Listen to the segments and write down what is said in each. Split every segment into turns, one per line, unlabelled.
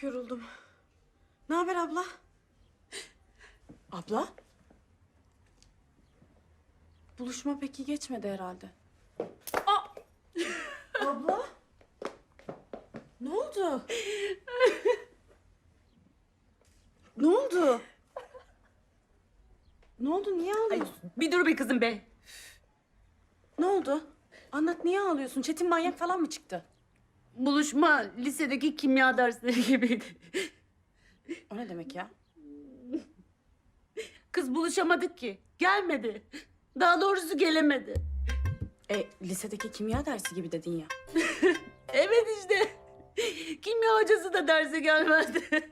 Çok yoruldum. Ne haber abla? Abla? Buluşma pek iyi geçmedi herhalde. Aa! Abla? Ne oldu? Ne oldu? Ne oldu? Niye ağlıyorsun?
Bir dur be kızım be.
Ne oldu? Anlat, niye ağlıyorsun? Çetin manyak falan mı çıktı?
Buluşma lisedeki kimya dersleri gibiydi.
O ne demek ya?
Kız buluşamadık ki. Gelmedi. Daha doğrusu gelemedi.
Lisedeki kimya dersi gibi dedin ya.
Evet işte. Kimya hocası da derse gelmedi.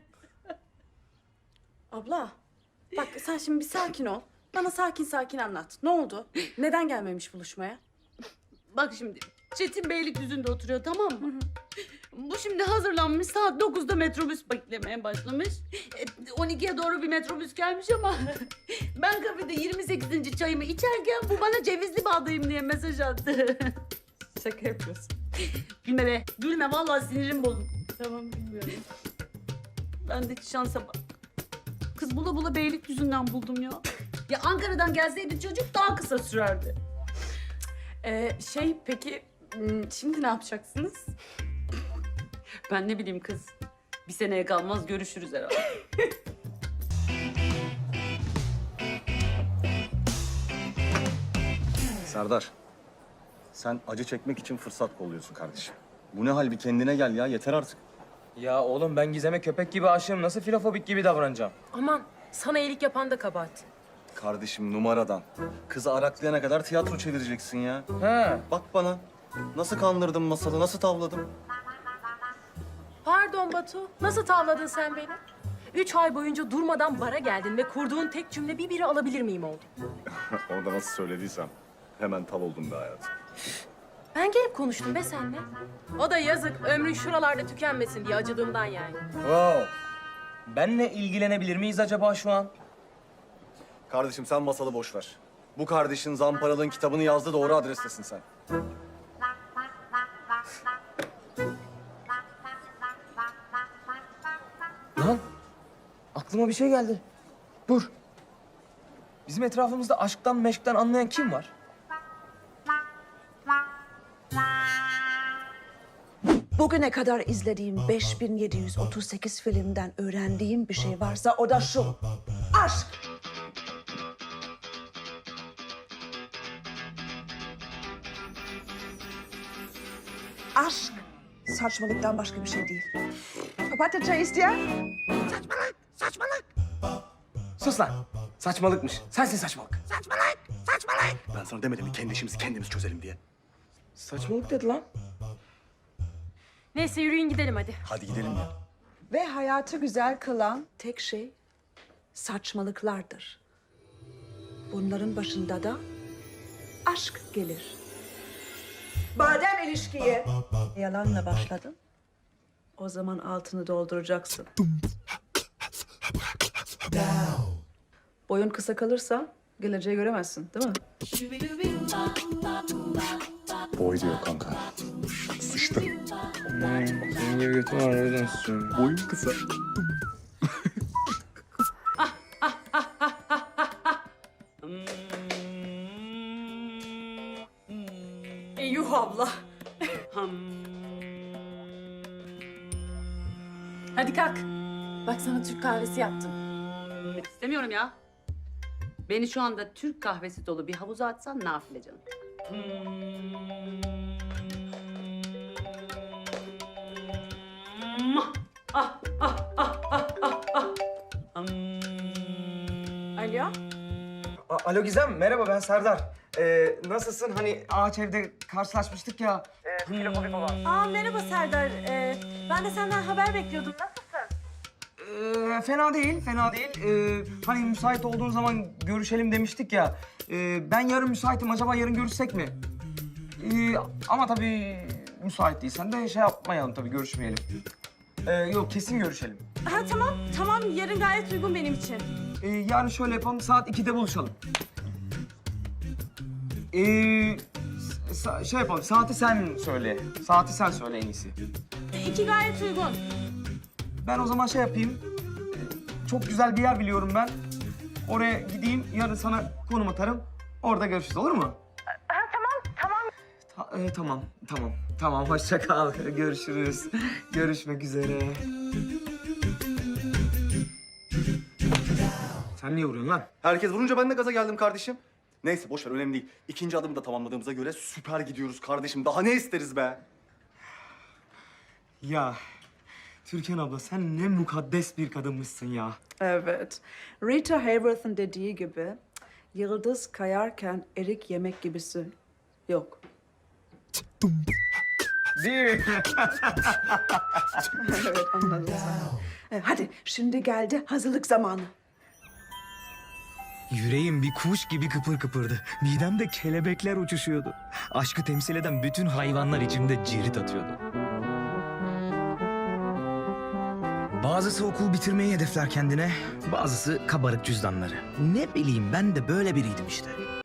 Abla, bak sen şimdi bir sakin ol. Bana sakin sakin anlat. Ne oldu? Neden gelmemiş buluşmaya?
Bak şimdi Çetin Beylikdüzü'nde oturuyor, tamam mı? Bu şimdi hazırlanmış, saat 9'da metrobüs beklemeye başlamış. 12'ye doğru bir metrobüs gelmiş ama ben kafede 28. çayımı içerken bu bana cevizli bağdayım diye mesaj attı.
Şaka yapıyorsun.
Gülme be, gülme, vallahi sinirim bozuldu.
Tamam, bilmiyorum.
Bendeki şansa bak. Kız bula bula Beylikdüzü'nden buldum ya. Ya Ankara'dan gelseydi çocuk daha kısa sürerdi.
Peki şimdi ne yapacaksınız?
Ben ne bileyim kız. Bir seneye kalmaz görüşürüz herhalde.
Serdar, sen acı çekmek için fırsat kolluyorsun kardeşim. Bu ne hal, bir kendine gel ya, yeter artık.
Ya oğlum ben Gizem'e köpek gibi aşığım. Nasıl filofobik gibi davranacağım?
Aman sana iyilik yapan da kabahat.
Kardeşim numaradan. Kızı araklayana kadar tiyatro çevireceksin ya.
He.
Bak bana, nasıl kandırdım masalı, nasıl tavladım.
Pardon Batu, nasıl tavladın sen beni? 3 ay boyunca durmadan bara geldin ve kurduğun tek cümle bir biri alabilir miyim oldu.
Onu da nasıl söylediysem hemen tav oldum be hayatım.
Ben gelip konuştum be seninle. O da yazık, ömrün şuralarda tükenmesin diye acıdığımdan yani.
Wow. Benle ilgilenebilir miyiz acaba şu an?
Kardeşim sen masalı boş ver. Bu kardeşin Zamparal'ın kitabını yazdı, doğru adrestesin sen.
Lan aklıma bir şey geldi. Dur. Bizim etrafımızda aşktan meşkten anlayan kim var?
Bugüne kadar izlediğim 5738 filmden öğrendiğim bir şey varsa o da şu. Aşk. Aşk saçmalıktan başka bir şey değil. Papatya çay isteyen?
Sus lan. Saçmalıkmış. Sensin saçmalık.
Ben sana demedim mi kendi işimizi kendimiz çözelim diye.
Saçmalık dedi lan.
Neyse yürüyün gidelim hadi.
Hadi gidelim ya.
Ve hayatı güzel kılan tek şey saçmalıklardır. Bunların başında da aşk gelir. Madem ilişkiye yalanla başladın, o zaman altını dolduracaksın. Boyun kısa kalırsa geleceği göremezsin, değil mi?
Boy diyor kanka. Sıçtı.
Senin gibi götüm var o yüzden susuyorum.
Boyun kısa.
Yuh abla. Hadi kalk. Bak sana Türk kahvesi yaptım.
İstemiyorum ya. Beni şu anda Türk kahvesi dolu bir havuza atsan nafile canım.
Alo.
Alo Gizem, merhaba ben Serdar. Nasılsın? Hani ağaç evde karşılaşmıştık ya. Filofobik olan.
Merhaba Serdar. Ben de senden haber bekliyordum.
Fena değil, fena değil. Hani müsait olduğun zaman görüşelim demiştik ya. Ben yarın müsaitim, acaba yarın görüşsek mi? Ama tabii müsait değilsen de şey yapmayalım tabii, görüşmeyelim. Yok, kesin görüşelim.
Ha tamam yarın gayet uygun benim için.
Yarın şöyle yapalım, saat 2'de buluşalım. Şey yapalım, saati sen söyle. Saati sen söyle en iyisi.
2 gayet uygun.
Ben o zaman şey yapayım. Çok güzel bir yer biliyorum ben. Oraya gideyim, yarın sana konum atarım. Orada görüşürüz, olur mu? Tamam. Hoşça kal. Görüşürüz. Görüşmek üzere. Sen niye vuruyorsun lan?
Herkes vurunca ben de gaza geldim kardeşim. Neyse boş ver, önemli değil. İkinci adımı da tamamladığımıza göre süper gidiyoruz kardeşim. Daha ne isteriz be?
Ya Türkan abla sen ne mukaddes bir kadınmışsın ya.
Evet. Rita Hayworth'ın dediği gibi yıldız kayarken erik yemek gibisi yok.
Değil mi?
Evet anladım. Hadi şimdi geldi hazırlık zamanı.
Yüreğim bir kuş gibi kıpır kıpırdı. Midemde kelebekler uçuşuyordu. Aşkı temsil eden bütün hayvanlar içimde cirit atıyordu. Bazısı okul bitirmeyi hedefler kendine, bazısı kabarık cüzdanları. Ne bileyim ben de böyle biriydim işte.